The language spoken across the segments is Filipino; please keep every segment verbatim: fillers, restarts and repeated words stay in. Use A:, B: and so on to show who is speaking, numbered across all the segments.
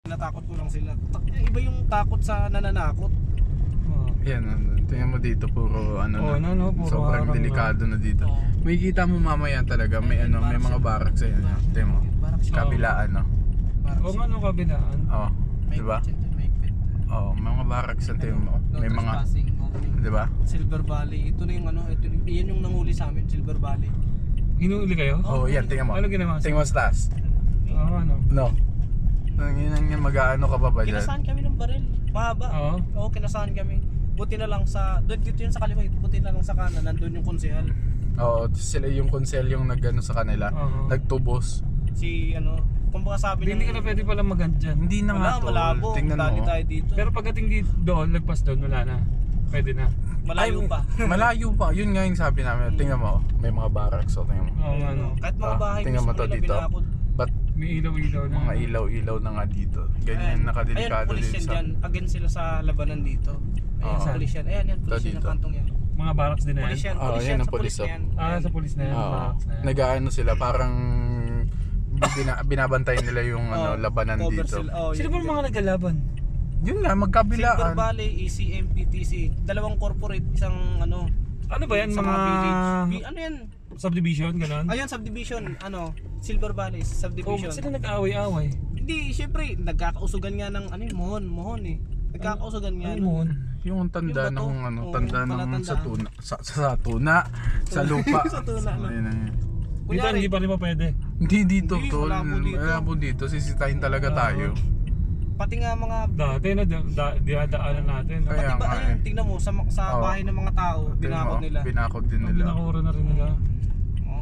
A: natakot ko lang sila. Iba yung takot sa nananakot.
B: Oh.
C: Yan, ano, tingnan mo dito puro ano
B: Oh,
C: na.
B: ano, no, puro
C: Sobrang
B: harang
C: delikado na dito.
A: Oo.
C: May kita mo mamaya talaga, may ano, may mga barracks ayan. Tingnan mo.
A: Barracks.
C: Kabilaan, no?
B: Oo nga, no, kabilaan.
C: Oh, di ba? Oh, mga barracks sa tingnan mo. May mga, di ba?
A: Silver Valley. Ito na yung ano, ito yan yung nanguli sa amin, Silver Valley.
B: Hinuuli kayo?
C: Oh, yan, tingnan mo.
B: Ano ginawa?
C: Tingnan mo sa taas.
B: Oo, ano?
C: No. Nanginang yan, mag-ano ka pa ba dyan?
A: Kinasaan kami ng baril. Mahaba.
B: Oo.
A: Oo, kinasaan kami. Buti na lang sa, doon dito yun sa kaliwa, buti na lang sa kanan, nandun yung konsehal.
C: Oo, sila yung konsel yung nag-ano sa kanila.
B: Oo.
C: Nagtubos.
A: Si ano, kung baka sabi
B: Hindi ka na pwede pala mag-hunt dyan.
C: Hindi na nga
A: wala,
C: tol.
A: malabo.
C: Tingnan
A: Dali
C: mo.
A: tayo dito.
B: Pero pagdating dito doon, lagpas doon, wala na. Pwede na.
A: Malayo
C: Ay,
A: pa.
C: Malayo pa. Yun nga yung sabi namin. Tingnan mo, may mga barracks. So, tingnan mo.
B: Oo, nga, no.
A: Kahit mga
C: Ah,
A: bahay,
C: tingnan mo
A: mismo
C: to
A: nila
C: dito.
A: binakod.
C: Ba't
B: May ilaw-ilaw na.
C: mga ilaw-ilaw na nga dito? Ganyan nakadelikado
A: Ayan, pulis
C: din
A: yan
C: sa...
A: dyan. Against sila sa labanan dito. Ayan,
C: Oo.
A: pulis yan. Ayan, yan, pulis
C: Ito
A: yan
C: dito.
A: ng kantong yan.
B: Mga barracks din na yan.
A: Pulis yan,
C: Oo,
A: pulis
C: yan
A: yan,
C: ang
A: sa pulis
C: pulis,
A: na yan.
B: Ah, sa police na yan.
C: Oo.
B: Barracks na yan.
C: Nag-ano sila, parang bina, binabantayan nila yung ano,
A: Oh,
C: labanan
A: cover
C: dito.
A: sila. Oh,
B: Sino
A: yan,
B: ba
A: yan.
B: mga nagkalaban?
C: Yun nga,
A: Silver
C: magkabilaan.
A: Valley, E C M, P T C. Dalawang corporate, isang ano.
B: Ano ba yan?
A: Sa
B: Mga
A: village. Bi- ano yan?
B: subdivision, gano'n?
A: Ayun, subdivision. Ano? Silver Valley,
B: Oh,
A: subdivision.
B: ba't sila nag-away-away?
A: Hindi, syempre, nagkakausugan nga ng ano yun, mohon, mohon eh. Nagkakausugan nga.
B: Ano mo?
C: Yung tanda
A: Yung bato.
C: ng ano,
A: Oo,
C: tanda
A: yung
C: ng
A: palatandaan.
C: sa tuna, sa, sa tuna, sa lupa.
A: Sa tuna, no?
C: Ayun na yun.
B: Dito,
A: Kunyari,
B: hindi pa rin pa pwede.
C: Hindi dito,
A: Hindi,
C: tol.
A: malabo dito.
C: Malabo dito. Sisitahin talaga
B: Oo.
C: tayo.
A: pati nga mga
B: Dati na, da, da, dinadaanan natin. No?
C: Kaya
A: pati ba,
C: nga
A: ayun,
C: eh.
A: tingnan mo sa sa
C: Oo.
A: bahay ng mga tao,
C: Tingnan
A: binakod
C: mo,
A: nila.
C: Binakod din
B: Ang
C: nila.
B: binakura na rin nila.
A: Oh.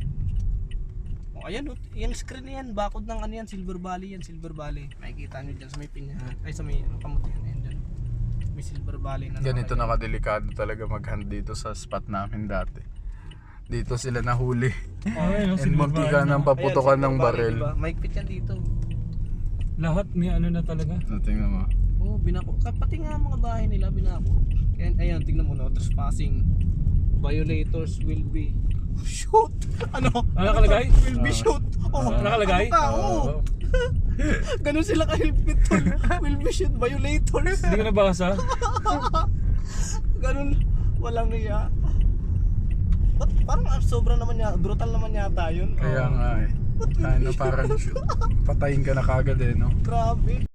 A: Oh, ayan, oh, yung screen na yan, bakod ng ano yan, Silver Valley yan, Silver Valley. Makikita nyo dyan sa may pinyahan, ay sa may ano, kamuti yan, ayan dyan. May Silver Valley na
C: Ganito
A: nakalagay.
C: nakadelikado talaga mag-hunt dito sa spot namin dati. Dito sila nahuli.
B: Oh, ayun,
C: And
B: Silver
C: munti
B: Valley
C: ka
B: na.
C: nang paputokan
A: Ayan,
C: ng
A: Silver Valley,
C: baril.
A: diba? Mahigpit yan dito.
B: Lahat may ano na talaga.
C: Tingnan mo.
A: Oh, binako. Pati nga mga bahay nila binako. Kaya ayan, tingnan mo no, trespassing. Violators will be shoot. Ano?
B: Ano nakalagay?
A: Will be
C: Ah.
A: shoot. Oh,
B: Ah, nakalagay?
A: Ano ka? Oh. Ganun sila kahilpit tol. Will be shoot violators.
B: Hindi ko nabasa.
A: Ganun, walang niya. Ba't parang ah, sobra naman niya, brutal naman yata yun.
C: Kaya
A: Oh.
C: nga eh. Ano parang shoot. Patayin ka na kagad eh no.
A: Grabe.